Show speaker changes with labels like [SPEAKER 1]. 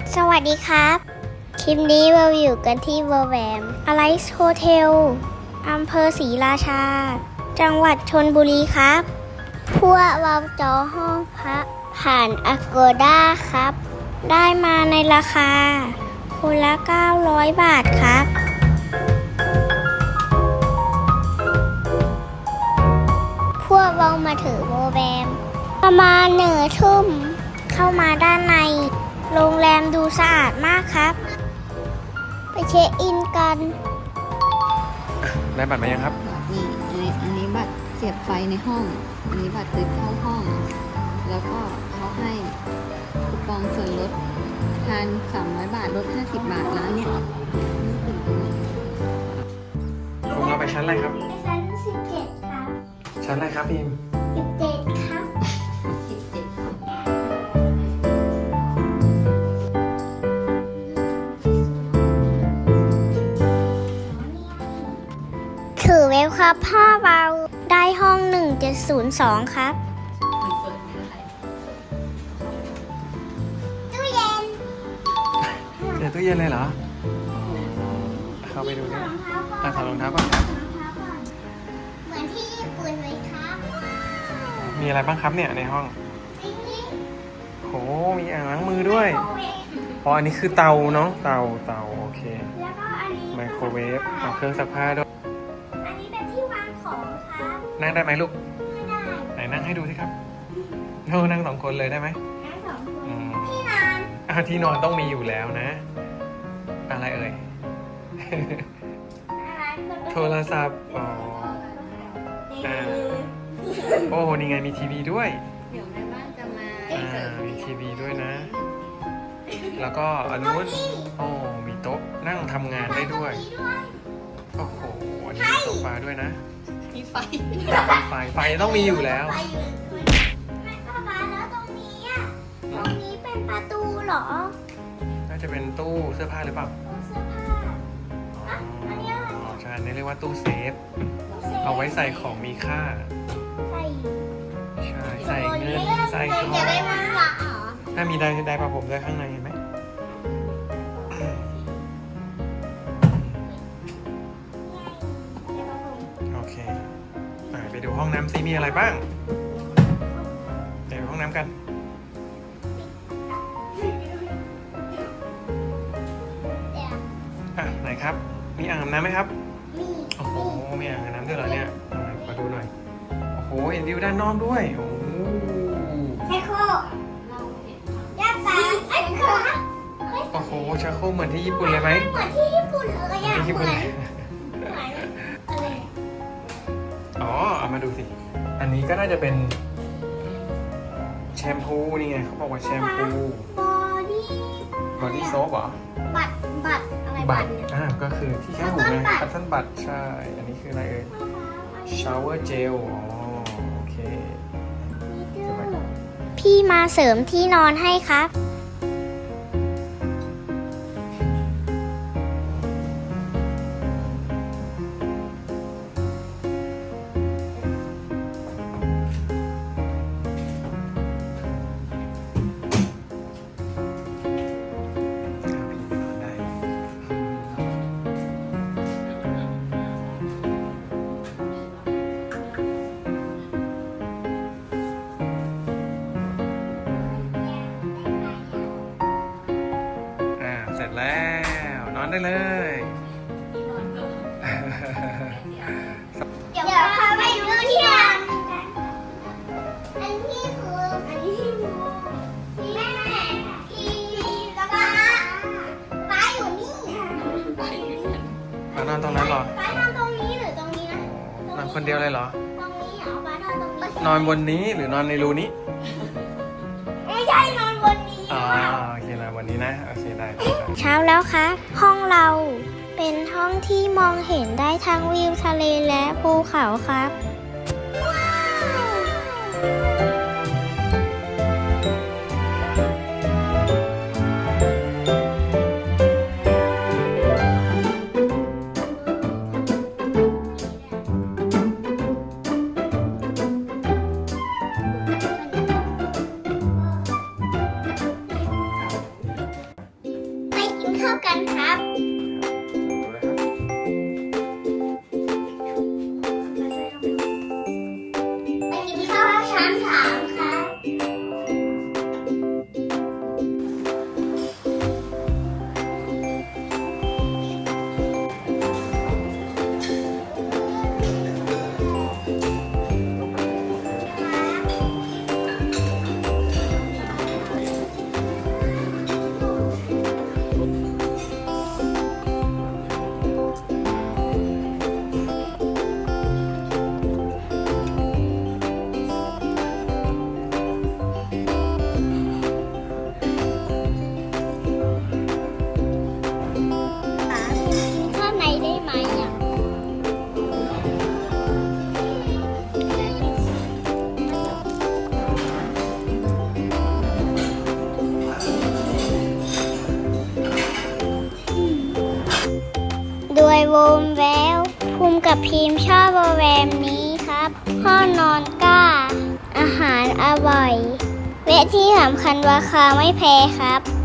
[SPEAKER 1] สวัสดีครับคลิปนี้เราอยู่กันที่เวอร์แวมอไลซ์โฮเทลอำเภอศรีราชาจังหวัดชลบุรีครับพวกเราจองห้องพักผ่าน Agoda ครับ ได้มาในราคาคนละ900 บาทครับพวกเรามาถึงเวอร์แวมประมาณ1 ทุ่มเข้ามาด้านในโรงแรมดูสะอาดมากครับไปเช็คอินกัน
[SPEAKER 2] ได้บัตรมายังครับ
[SPEAKER 3] นี่อันนี้บัตรเสียบไฟในห้อง อันนี้บัตรซื้อเข้าห้อง แล้วก็เขาให้คูปองส่วนลดทาน300 บาทลด50 บาทร้านเนี้ย
[SPEAKER 2] พวกเราไปชั้นอะไรครับ
[SPEAKER 1] ชั้น17ครับ
[SPEAKER 2] ชั้นอะไรครับพิม
[SPEAKER 1] 17ครับถือเว็บครับพ่อเราได้ห้อง1702ครับตู้เย็น
[SPEAKER 2] เจอตู้เย็นเลยเหรอเข้าไปดูนะถอดรองเท้าก่อนครับ
[SPEAKER 1] เหมือนที่ญี่ปุ่นเลยครับ
[SPEAKER 2] มีอะไรบ้างครับเนี่ยในห้อง โหมีอ่างล้างมือด้วยอ๋ออันนี้คือเตาเนาะเตาโอเค
[SPEAKER 1] แล้วก็อันนี้
[SPEAKER 2] ไมโครเวฟเอาเครื่องซักผ้าด้วย
[SPEAKER 1] อันนี้เป็นที่วางของครับ
[SPEAKER 2] นั่งได้ไหมลูก
[SPEAKER 1] ไม่ได้
[SPEAKER 2] ไหนนั่งให้ดูสิครับโอ้นั่ง2 คนเลยได้ไหม
[SPEAKER 1] ทั้ง2 คน
[SPEAKER 2] อืม
[SPEAKER 1] ที่นอน
[SPEAKER 2] ที่นอนต้องมีอยู่แล้วนะ อะไรเอ่ย
[SPEAKER 1] อะไร
[SPEAKER 2] โทรศัพท์อ๋ออ่าโอ้นี่ไงมีทีวีด้วย
[SPEAKER 3] เดี๋ยวแม่บ้านจะมา
[SPEAKER 2] มีทีวีด้วยนะ แล้วก็อันนู้นโอ้มีโต๊ะนั่งทำงานได้ด้วย โอ้โหอันนี้มีโซฟาด้วยนะ
[SPEAKER 3] มีไฟ
[SPEAKER 2] ไฟต้องมีอยู่แล้ว
[SPEAKER 1] แม่ป้าบ้านแล้วตรงนี้อ่ะตรงนี้เป็นประตูเหรอ
[SPEAKER 2] น่าจะเป็นตู้เสื้อผ้าหรือเปล่า
[SPEAKER 1] ตู้เสื้อผ้าอ่ะอันนี้อะไร
[SPEAKER 2] อ๋อใช่นี่เรียกว่าตู้เซฟ เอาไว้ใส่ของมีค่า
[SPEAKER 1] ใส่
[SPEAKER 2] ใช่ ใส่เงิน ใส่ทอง
[SPEAKER 1] จะได้มันหวานเหรอ
[SPEAKER 2] ถ้ามีได้ประผมด้วยข้างในเห็นไหม โอเคไปดูห้องน้ำซิมีอะไรบ้างไปดูห้องน้ำกันไหนครับ มีอ่างอาบน้ำไหมครับ
[SPEAKER 1] มี
[SPEAKER 2] โอ้โห มีอ่างอาบน้ำด้วยเหรอเนี่ยมาดูหน่อย โอ้โห เห็นวิวด้านนอกด้วย โอ้โห
[SPEAKER 1] ไชโครกย่าตาไอ้โครก
[SPEAKER 2] โอ้โหชักโครกเหมือนที่ญี่ปุ่นเลยไหม
[SPEAKER 1] เหมือนที่ญี่ปุ่นเลยอ่ะ
[SPEAKER 2] ที่ญี่
[SPEAKER 1] เห
[SPEAKER 2] ปุ่
[SPEAKER 1] มื
[SPEAKER 2] น
[SPEAKER 1] อน
[SPEAKER 2] เลย
[SPEAKER 1] อะไร
[SPEAKER 2] อ๋อ เอามาดูสิ อันนี้ก็น่าจะเป็นแชมพูนี่ไงเขาบอกว่าแชมพู
[SPEAKER 1] บอดี้
[SPEAKER 2] บอดี้โซปเหรอ
[SPEAKER 1] บัตรอะไรบัตรเนี่ย
[SPEAKER 2] ก็คือที่แค่หูไงคัตเติ้ลบัตใช่ อันนี้คืออะไรเอ่ย ชาวเวอร์เจล อ๋อ โอเค
[SPEAKER 1] พี่มาเสริมที่นอนให้ครับ
[SPEAKER 2] เสร็จแล้ว นอนได้เลย
[SPEAKER 1] เดี๋ยวพาไปดูที่นอนอันนี้คืออันนี้ที่แม่ที่แล้วก็ป้าอยู่นี่
[SPEAKER 2] นอนตรงนั้นเหรอ
[SPEAKER 1] ป้านอนตรงนี้หรือตรงนี้นะ
[SPEAKER 2] นอนคนเดียวเลยเหรอ
[SPEAKER 1] ตรงนี้เหรอป้านอนตรงนี้
[SPEAKER 2] นอนบนนี้หรือนอนในรูนี้
[SPEAKER 1] ไม่ใช่นอนบนนี้
[SPEAKER 2] อ๋อโอเคนะวันนี้นะ โอเคได้
[SPEAKER 1] เช้าแล้วค่ะ ห้องเราเป็นห้องที่มองเห็นได้ทั้งวิวทะเลและภูเขาครับข้าวกันครับ
[SPEAKER 2] ดูนะครับ
[SPEAKER 1] ไปกินข้าวชั้น3ครับ ข้างในได้ไหมอ่ะ ด้วยโวมแววภูมิกับพีมชอบโปรแกรมนี้ครับห้องนอนกล้า อาหารอร่อย และที่สำคัญราคาไม่แพงครับ